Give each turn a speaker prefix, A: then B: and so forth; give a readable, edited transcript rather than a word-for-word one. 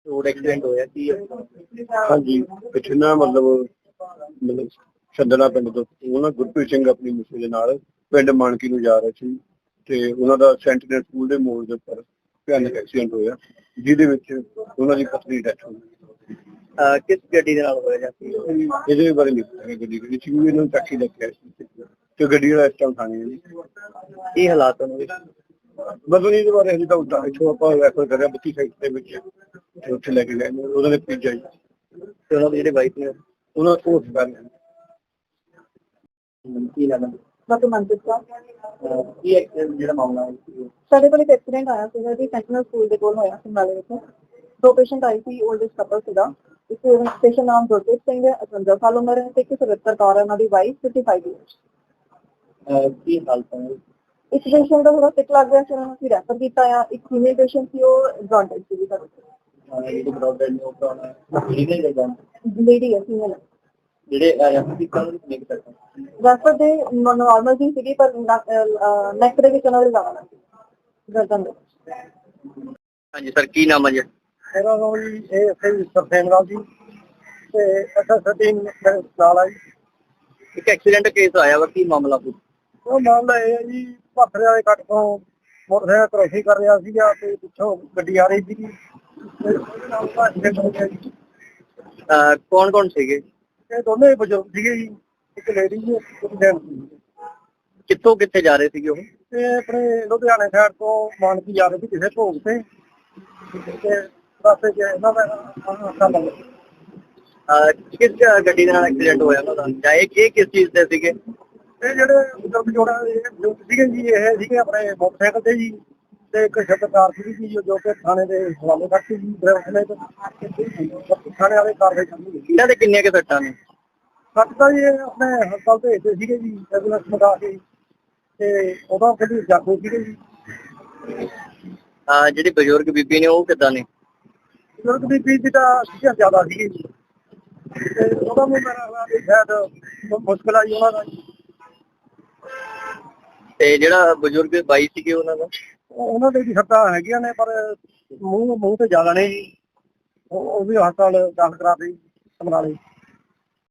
A: Road accident होया की
B: हाँ जी पिछले ना मतलब ਛੱਡਣਾ ਪਿੰਡ ਤੋਂ ਉਹ ਨਾ ਗੁਰਪ੍ਰੀਤ ਸਿੰਘ ਆਪਣੀ ਮਿਸੇ ਦੇ ਨਾਲ ਪਿੰਡ ਮਾਨਕੀ ਨੂੰ ਜਾ ਰਹੇ ਸੀ ਤੇ ਉਹਨਾਂ ਦਾ ਸੈਂਟੀਨਲ ਸਕੂਲ ਦੇ ਮੋੜ ਦੇ ਉੱਪਰ ਭਿਆਨਕ ਐਕਸੀਡੈਂਟ ਹੋਇਆ ਜਿਹਦੇ ਵਿੱਚ ਉਹਨਾਂ ਦੀ ਪਤਨੀ ਡੈਥ ਹੋ ਗਈ।
A: किस गड्डी दे नाल होया जाती
B: ਇਹਦੇ ਬਾਰੇ ਨਹੀਂ ਪਤਾ ਕਿ ਗੱਡੀ ਕਿਹੜੀ ਸੀ ਇਹਨੂੰ ਟੈਕਸੀ ਲੈ ਕੇ ਆਈ ਸੀ ਤੇ ਗੱਡੀ ਵਾਲਾ ਇਸ ਟਾਈਮ ਥਾਣੇ ਹੈ ਜੀ।
A: की हालात होने
B: ਬਦਲ ਇਹਦੇ ਬਾਰੇ ਹਜੇ ਤਾਂ ਉੱਦਾਂ ਇੱਥੋਂ ਆਪਾਂ ਰੈਫਰ ਕਰਿਆ 32 ਸਾਈਡ ਦੇ ਵਿੱਚ ਤੇ ਉੱਥੇ ਲੈ ਕੇ ਗਏ ਨੇ ਉਹਨਾਂ ਦੇ ਭੇਜਿਆ ਜੀ
A: ਤੇ ਉਹਨਾਂ ਦੇ ਜਿਹੜੇ ਵਾਈਫ ਨੇ
B: ਉਹਨਾਂ ਕੋਲ ਕਰ
A: ਕੀ ਲੱਗਦਾ
C: ਡਾਕਟਰ ਮਨਪ੍ਰੀਤ ਕੌਰ
A: ਕੀ ਐਕਸੀਡੈਂਟ ਜਿਹੜਾ ਮਾਮਲਾ ਹੈ
C: ਸਾਡੇ ਕੋਲ ਇੱਕ ਐਕਸੀਡੈਂਟ ਆਇਆ ਸੀਗਾ ਜੀ ਸੈਂਟੀਨਲ ਸਕੂਲ ਦੇ ਕੋਲ ਹੋਇਆ ਸਮਰਾਲੇ ਵਿੱਚ। ਦੋ ਪੇਸ਼ੈਂਟ ਆਏ ਸੀ 올ਡ ਏਜ ਕਪਲ ਸੀਗਾ। ਇੱਕ ਪੇਸ਼ੈਂਟ ਨਾਮ ਗੁਰਪ੍ਰੀਤ ਸਿੰਘ ਹੈ 55 ਸਾਲ ਉਮਰ ਹੈ ਤੇ ਇੱਕ 77 ਕੌਰ ਹੈ ਉਹਨਾਂ ਦੀ ਵਾਈਫ 55 ਇਅਰਸ।
A: ਕੀ ਹਾਲਤ ਹੈ
C: ਇੱਕ ਪੇਸ਼ੈਂਟ ਦਾ ਥੋੜਾ ਸਿਕ ਲੱਗ ਗਿਆ ਸੀ ਉਹਨਾਂ ਨੂੰ ਅਸੀਂ ਰੈਫਰ ਕੀਤਾ ਆ। ਇੱਕ ਫੀਮੇਲ ਪੇਸ਼ੈਂਟ ਸੀ ਉਹ ਜੌਂਡਿਸ ਸੀ ਸਾਡੇ
A: ਜਿਹੜੀ ਬ੍ਰੌਡਬੈਂਡ ਨੂੰ ਕਰਾਉਣਾ ਲੀਗਲ ਜਾਂ
C: ਲੇਡੀ ਹੈ ਫੀਮੇਲ
A: ਜਿਹੜੇ ਐਮਪੀ ਕਾਲ ਨਹੀਂ ਕਰ ਸਕਦੇ
C: ਰੈਫਰ ਦੇ ਨਾਰਮਲ ਜੀ ਸੀਗੀ ਪਰ ਨੈਕ ਦੇ ਵਿੱਚ ਉਹਨਾਂ ਦੇ ਜ਼ਿਆਦਾ ਸੀ ਗਰਦਨ ਦੇ।
A: ਹਾਂਜੀ ਸਰ ਕੀ ਨਾਮ ਹੈ ਜੀ
B: ਮੇਰਾ ਨਾਮ ਜੀ ਇਹ ਸਹੀ ਸਰਸੇਨ ਰਾਜ ਜੀ ਤੇ ਅੱਛਾ ਸਟੀਨ ਨਾਲ ਆ ਜੀ।
A: ਇੱਕ ਐਕਸੀਡੈਂਟ ਕੇਸ ਆਇਆ ਵਾ ਕੀ ਮਾਮਲਾ ਪੁੱਛ
B: ਉਹ ਮਾਮਲਾ ਇਹ ਹੈ ਜੀ ਭਾਖੜੇ ਵਾਲੇ ਕੱਟ ਤੋਂ ਮੋਟਰਸਾਈਕਲ ਕ੍ਰੋਸਿੰਗ ਕਰ ਰਿਹਾ ਸੀਗਾ ਤੇ ਪਿੱਛੋਂ ਗੱਡੀ ਆ ਰਹੀ ਸੀਗੀ ਤੇ ਉਹਦੇ ਨਾਲ ਐਕਸੀਡੈਂਟ ਹੋ ਗਿਆ ਜੀ।
A: ਕੌਣ ਕੌਣ ਸੀਗੇ
B: ਇਹ ਦੋਨੇ ਬਜ਼ੁਰਗ ਸੀਗੇ ਜੀ ਇੱਕ ਲੇਡੀ ਜੀ ਇੱਕ ਜੈਂਟ ਸੀ
A: ਕਿੱਥੋਂ ਕਿੱਥੇ ਜਾ ਰਹੇ ਸੀਗੇ ਉਹ
B: ਤੇ ਆਪਣੇ ਲੁਧਿਆਣੇ ਸਾਈਡ ਤੋਂ ਮਾਨਕੀ ਜਾ ਰਹੇ ਸੀ ਕਿਸੇ ਭੋਗ ਤੇ ਰਸਤੇ 'ਚ ਇਹਨਾਂ ਦਾ ਹਾਦਸਾ ਬਣ ਗਿਆ।
A: ਕਿਸ ਗੱਡੀ ਦੇ ਨਾਲ ਐਕਸੀਡੈਂਟ ਹੋਇਆ ਉਹਨਾਂ ਦਾ ਜਾਂ ਇਹ ਕਿਸ ਚੀਜ਼ ਤੇ ਸੀਗੇ
B: ਇਹ ਜਿਹੜੇ ਬਜ਼ੁਰਗ ਜੋੜਾ ਬਜ਼ੁਰਗ ਸੀਗੇ ਜੀ ਇਹ ਸੀਗੇ ਆਪਣੇ ਮੋਟਰਸਾਈਕਲ ਤੇ ਜੀ ਤੇ ਇੱਕ ਸ਼ਬਦਕਾਰ ਸੀਗੀ ਜੀ ਜੋ ਕਿ ਥਾਣੇ ਦੇ ਹਵਾਲੇ ਕਰਤੀ ਜੀ ਡਰਾਈਵਰ ਨੇ ਤੇ ਥਾਣੇ ਵਾਲੇ ਕਾਰਵਾਈ ਕਰਨੀ।
A: ਇਹਨਾਂ ਦੇ ਕਿੰਨੀਆਂ ਕਿ ਸੱਟਾਂ ਨੇ
B: ਸੱਟ ਤਾਂ ਜੀ ਇਹ ਆਪਣੇ ਹਸਪਤਾਲ ਭੇਜਦੇ ਸੀਗੇ ਜੀ ਐਂਬੂਲੈਂਸ ਮੰਗਾ ਕੇ ਤੇ ਉਦੋਂ ਕਿਹੜੀ ਜਾਗੋ ਸੀਗੇ ਜੀ।
A: ਜਿਹੜੀ ਬਜ਼ੁਰਗ ਬੀਬੀ ਨੇ ਉਹ ਕਿੱਦਾਂ ਨੇ
B: ਬਜ਼ੁਰਗ ਦੀ ਬੀਬੀ ਤਾਂ ਸੀਗਾ ਜ਼ਿਆਦਾ ਸੀਗੀ ਜੀ ਤੇ ਉਹਦਾ ਵੀ ਮੇਰਾ ਖਿਆਲ ਵੀ ਸ਼ਾਇਦ ਮੁਸ਼ਕਿਲ ਆਈ ਉਹਨਾਂ ਦਾ ਜੀ।
A: ਤੇ ਜਿਹੜਾ ਬਜ਼ੁਰਗ ਬਾਈ ਸੀਗੇ ਉਹਨਾਂ ਦਾ
B: ਉਹਨਾਂ ਦੇ ਵੀ ਸੱਟਾਂ ਹੈਗੀਆਂ ਨੇ ਪਰ ਮੂੰਹ ਤੇ ਜ਼ਿਆਦਾ ਨੇ ਜੀ। ਉਹ ਵੀ ਹਸਪਤਾਲ ਦਾਖਲ ਕਰਾ ਦਿੱਤੀ ਸਮਰਾਲੇ।